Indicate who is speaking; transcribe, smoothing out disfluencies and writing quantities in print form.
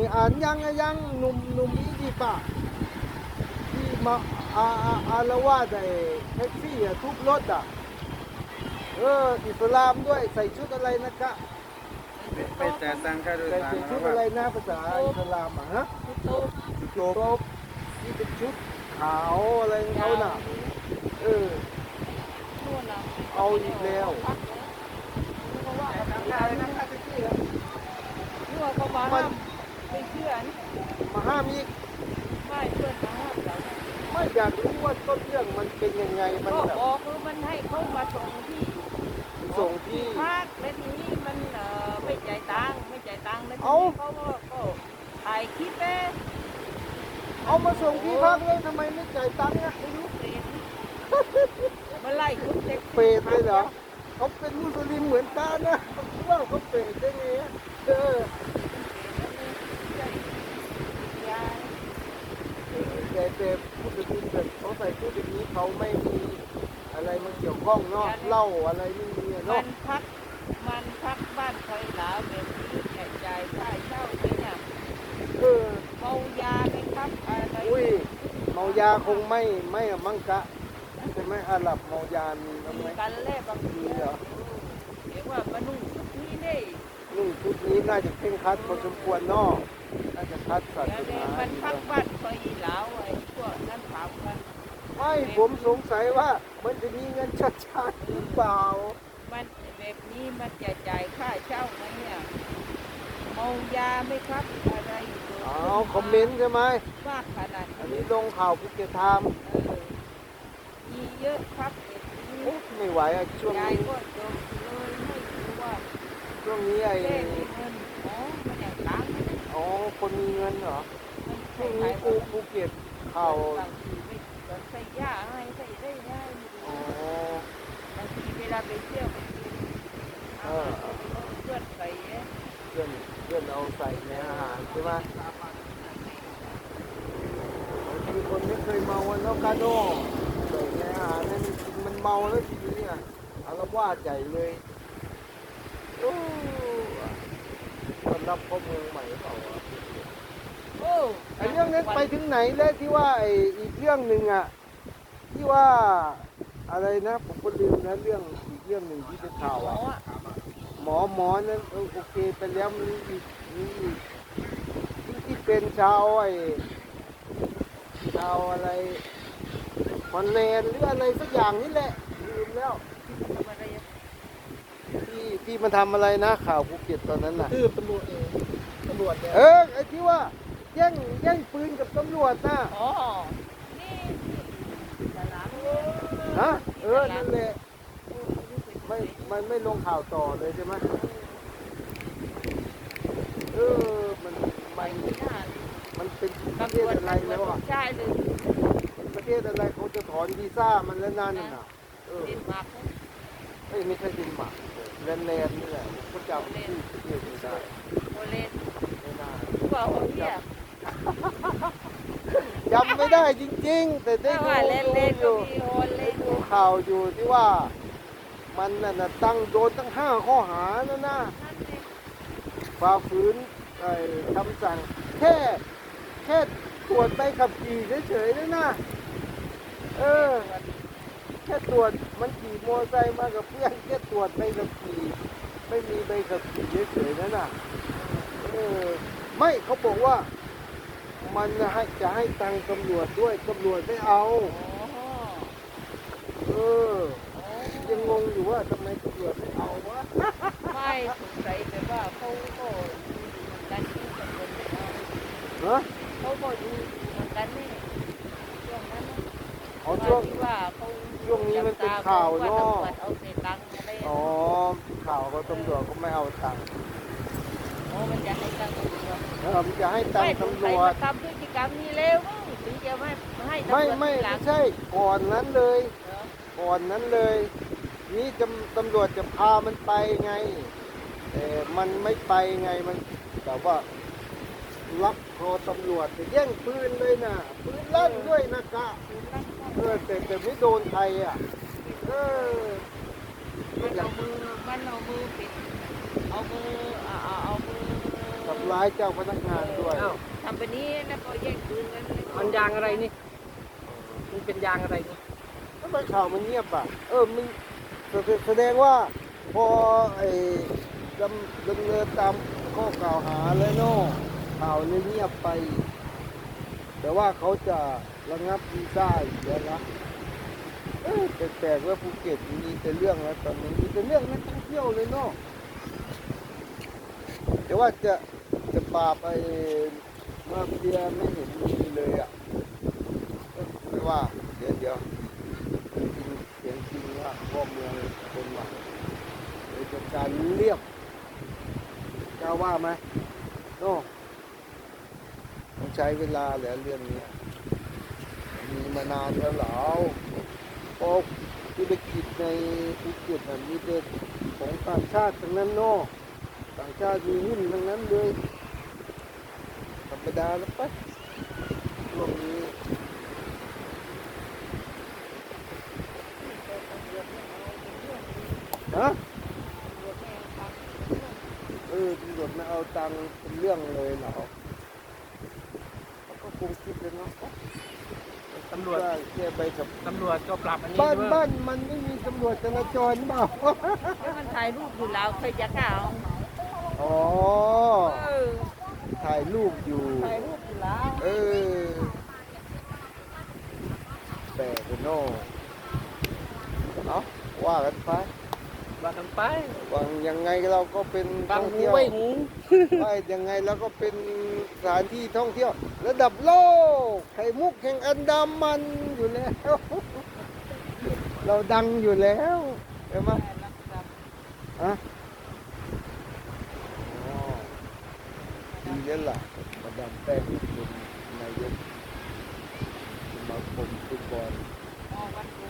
Speaker 1: อ่านยังหนุ่มอียิปต์อะที่มาอารวาสไอ้แท็กซี่อะทุบรถอะอิสลามด้วยใส่ชุดอะไรนะคะ
Speaker 2: ไปจ่ายตังค่าโดย
Speaker 1: ใส่
Speaker 2: สาร
Speaker 1: ชุด
Speaker 2: แล้ว
Speaker 1: อะไร
Speaker 2: ว่า
Speaker 1: นะภาษาอิสลามอะฮะ
Speaker 3: โต๊ะ
Speaker 1: โจบที่เป็นชุดขาวอะไรของเขาน่ะเออ
Speaker 3: นู่นน่ะ
Speaker 1: เอาอีกแล้ว
Speaker 3: เพราะว่า
Speaker 2: ตังค่าเลยนะค่าแท็กซี่แล้ว
Speaker 3: นี่ว่าเขามาห้ามไม่เชื่อนี่
Speaker 1: มาห้ามอีก
Speaker 3: ไม่เพื่อนมาห้ามเรา
Speaker 1: ไม่อยากรู้ว่าต้นเรื่องมันเป็นยังไงมัน
Speaker 3: ก็
Speaker 1: แบบ
Speaker 3: บอกคือมันให้เขามาส่งที่
Speaker 1: ส่งที่
Speaker 3: ภาคและทีนี้มันไม่จ่ายตังค์แล้วที
Speaker 1: เอ้า
Speaker 3: นี้เขาก็ถ่ายคลิปเอง
Speaker 1: เอามาส่งที่พักเลยทำไมไม่จ่ายตังค์อะ
Speaker 3: ไม่รู้เปรตมาไล่คุณเด็ก
Speaker 1: เปรตเลยเหรอเขาเป็นมุสลิมเหมือนกันนะว่าเขาเปรตได้ไงอะแต่มุสลิมแบบเขาใส่ชุดอย่างนี้เขาไม่มีอะไรมาเกี่ยวข้องเนาะเหล้าอะไรไม่มีอะ
Speaker 3: มั
Speaker 1: เนาะ
Speaker 3: นพักบ้านคอยหลาแบบนี้แจกจ่ายค่าเช่าเลยเนี่ย
Speaker 1: เออ
Speaker 3: เมายาไหมครับอะไร
Speaker 1: อุ้ยเมายาคงไม่อะมั้งกะใช่ไหมอาหรับเมายามีบ้างไหม
Speaker 3: มีกันแลกบางที
Speaker 1: เหรอ
Speaker 3: เดี๋ยวว่ามานุ่งชุดนี้ได้
Speaker 1: นุ่งชุดนี้น่าจะเคร่งครัดพอสมควรเนาะน่าจะคัดศาส
Speaker 3: เดี๋ยว
Speaker 1: นา
Speaker 3: มันพักบ้านคอยหลาวไอ้พวกนั้นถามกัน
Speaker 1: ไม่ผมสงสัยว่ามันจะมีเงินชดใช้หรือเปล่า
Speaker 3: มันแบบนี้มันจะจ่ายค่าเช่าไหมเนี่ยเมายาไหมครับอะไร
Speaker 1: อ๋อคอมเมนต์ใช่ไหม
Speaker 3: มากขนาด
Speaker 1: อัน
Speaker 3: นี้
Speaker 1: นี้ลงข่าวภูเก็ตไทม์
Speaker 3: มีเยอะครับแบบนี้
Speaker 1: โอ้ไม่ไหวอะช่วง
Speaker 3: ยาย
Speaker 1: นี้
Speaker 3: ก็จบเลยไม่รู้ว่า
Speaker 1: ช่วงนี้ไอ้
Speaker 3: เล่มีเงินอ๋อมันอย่างตังค์
Speaker 1: อ๋อคนมีเงินเหรอ
Speaker 3: มัน
Speaker 1: ช่วง
Speaker 3: ใคร
Speaker 1: นี้
Speaker 3: ๆว่า
Speaker 1: ภูเก็ตข่าว
Speaker 3: บางทีไม่ใส่ยาให้ใส่ได้ง่าย
Speaker 1: อ๋อบ
Speaker 3: างทีเวลาไปเที่ยวไปกินอาหารเพื่อนใส่เอ๊ะ
Speaker 1: เพื่อนเอาใส่ในอาหารใช่ไหมบางทีคนไม่เคยเมาวันแล้วกาโน่ใส่ในอาหารเนี่ยมันกินมันเมาแล้วทีนี้อ่ะอารวาสใหญ่เลยโอ้ต้อนรับพ่อเมืองใหม่เปล่าวะ
Speaker 3: โอ้
Speaker 1: ไอ้เรื่องนั้นไปถึงไหนแล้วที่ว่าไอ้อีกเรื่องหนึ่งอ่ะที่ว่าอะไรนะผมก็ลืมนะเรื่องอีกเรื่องหนึ่งที่เป็นข่าว
Speaker 3: หมอ
Speaker 1: อ่ะ
Speaker 3: อ่ะ
Speaker 1: หมอนั้นโอเคไปแล้วมีอีกที่เป็นชาวไอ้ชาวอะไรฮอลแลนด์หรืออะไรสักอย่างนี่แหละลืมแล้ว
Speaker 3: ทำอะไรอ่ะ
Speaker 1: ที่มันทำอะไรนะข่าวภูเก็ตตอนนั้นน่ะ
Speaker 2: คือตำรวจเนี่ย
Speaker 1: ไอ้ที่ว่าแย่งปืนกับตำรวจน่ะ
Speaker 3: อ๋อนี่ตลาดเนี่ย
Speaker 1: ฮะนั่นแหละมันไม่ลงข่าวต่อเลยใช่ไหมมัน
Speaker 3: ไปไม่น่า
Speaker 1: มันเป็นประ
Speaker 3: ตำ
Speaker 1: เท
Speaker 3: ร
Speaker 1: ศ
Speaker 3: วจ
Speaker 1: อะไรแล้วอ่ะ
Speaker 3: ใช่เลย
Speaker 1: ประเทศอะไรเขาจะถอนวีซ่ามันแล้วนั่นน่ะ
Speaker 3: เดนมาร์ก
Speaker 1: ไม่ใช่ดินมาร์กแลนด์นี่แหละผมก็จำชื่อประเทศไม่ได้
Speaker 3: โอเลน
Speaker 1: ไม่ได้
Speaker 3: ว่าโอเลีย
Speaker 1: จำไม่ได้จริงๆ แต่ได้
Speaker 3: ถ้า
Speaker 1: ดู
Speaker 3: ว่าเลนเลน
Speaker 1: อ
Speaker 3: ก็
Speaker 1: ยู่
Speaker 3: มีโอเลน
Speaker 1: ดูข่าวอยู่ที่ว่ามันน่ะโดนตั้ง5 ข้อหาแล้วนะ
Speaker 3: นั่นเอง
Speaker 1: ฝ่าฝืนคำสั่งแค่ตรวจใบขับขี่เฉยๆนะนะแค่ตรวจมันขี่มอเตอร์ไซค์มากับเพื่อนแค่ตรวจใบขับขี่ไม่มีใบขับขี่เฉยๆนะน่ะไม่เขาบอกว่ามันจะให้ตังค์ตำรวจด้วยตำรวจไม่เอา
Speaker 3: อ๋อ
Speaker 1: ยังงงอยู่ว่าทำไมตำรวจไม่เอาวะ
Speaker 3: ไม่สงสัยแต่ว่าเขาก็ดูเหมือนกันที่ตำรวจไม่เอา
Speaker 1: ฮะ
Speaker 3: เขาก็ดูเหมือนกันนี่ช่วงนั้นนะ
Speaker 1: อ๋อช่วง
Speaker 3: ที่ว่าเขา
Speaker 1: ช่วงนี้มันเป็นข่าวเนอะ
Speaker 3: ตำรวจเอาเศษตังค์อะไร
Speaker 1: อ๋อข่าวก็ตำรวจก็ไม่เอาตังค์
Speaker 3: โอ้มันจะให้ตังค์ตำรวจ
Speaker 1: มันจะให้ตังค์ตำรวจ
Speaker 3: ทำพฤติกรรมนี้เร็วมั้งถึงจะให้ตำรวจ
Speaker 1: ไม่
Speaker 3: ทีหลัง
Speaker 1: ใช่ก่อนนั้นเลย
Speaker 3: เหรอ
Speaker 1: ก่อนนั้นเลย นี่ตำรวจจะพามันไปไงแต่มันไม่ไปไงมันแต่ว่าล็อกคอตำรวจจะแย่งปืนเลยนะปืนลั่นด้วยนะกะแต่ไม่โดนใครอ่ะ
Speaker 3: มันเอามือปิดเอามือ
Speaker 1: ทำร้ายเจ้าพนักงานด้วย
Speaker 2: อ้าว
Speaker 3: ทำแบบนี้แล้วก็แย่งปืนกันเลย
Speaker 2: มันยางอะไรนี่มันเป็นยางอะไรนี่
Speaker 1: ทำไมข่าวมันเงียบอ่ะมันแสดงว่าพอไอ้ดำเนินตามข้อกล่าวหาแล้วเนาะข่าวเลยเงียบไป แต่ว่าเขาจะระงับวีซ่าอีกแล้วนะแปลกๆว่าภูเก็ตมีแต่เรื่องแล้วตอนนี้มีแต่เรื่องนักท่องเที่ยวเลยเนาะแต่ว่าจะปราบไอ้มาเฟียไม่เห็นมีเลยอ่ะไม่ว่าเดี๋ยวเสียงจริงว่าพ่อเมืองคนว่าเลยจัดการเรียบกล้าว่าไหมโน่ต้องใช้เวลาแหละเรื่องเนี้ยมีมานานแล้วเหรอเพราะธุรกิจในภูเก็ตมีแต่ของต่างชาติทั้งนั้นเนาะต่างชาติมีหุ้นทั้งนั้นเลยธรรมดาแล้วปะช่วงนี้ฮะตำรวจไม่เอาตังค์เป็นเรื่องเลยเหรอเขาก็คงคิดเลยเนาะ
Speaker 2: ตำรวจ
Speaker 1: แค่ใบขับ
Speaker 2: ตำรวจก็ปรับอันนี้
Speaker 1: บ้าน
Speaker 2: ด้วย
Speaker 1: บ้านมันไม่มีตำรวจจราจรเปล่า
Speaker 3: แล้วมันถ่ายรูปอยู่แล้วใครจะกล้าเอา
Speaker 1: อ๋อ
Speaker 3: เออ
Speaker 1: ถ่ายรูปอยู่
Speaker 3: ถ่ายรูปอยู่แล้ว
Speaker 1: แปลกเลยเนาะเอาว่ากันไป
Speaker 2: ว่ากันไป
Speaker 1: ว่ายังไงเราก็เป็น
Speaker 2: บาง
Speaker 1: ท่อง
Speaker 2: หู
Speaker 1: เที่ยว
Speaker 2: ไว้หู
Speaker 1: ว่ายังไงเราก็เป็นสถานที่ท่องเที่ยว ระดับโลกไข่มุกแห่งอันดามันอยู่แล้ว เราดังอยู่แล้วใช่ไหมฮะอ๋อดีแล้วล่ะมาดามแป้งเป็นนายกสมาคมฟุตบอล
Speaker 3: อ๋อวันโก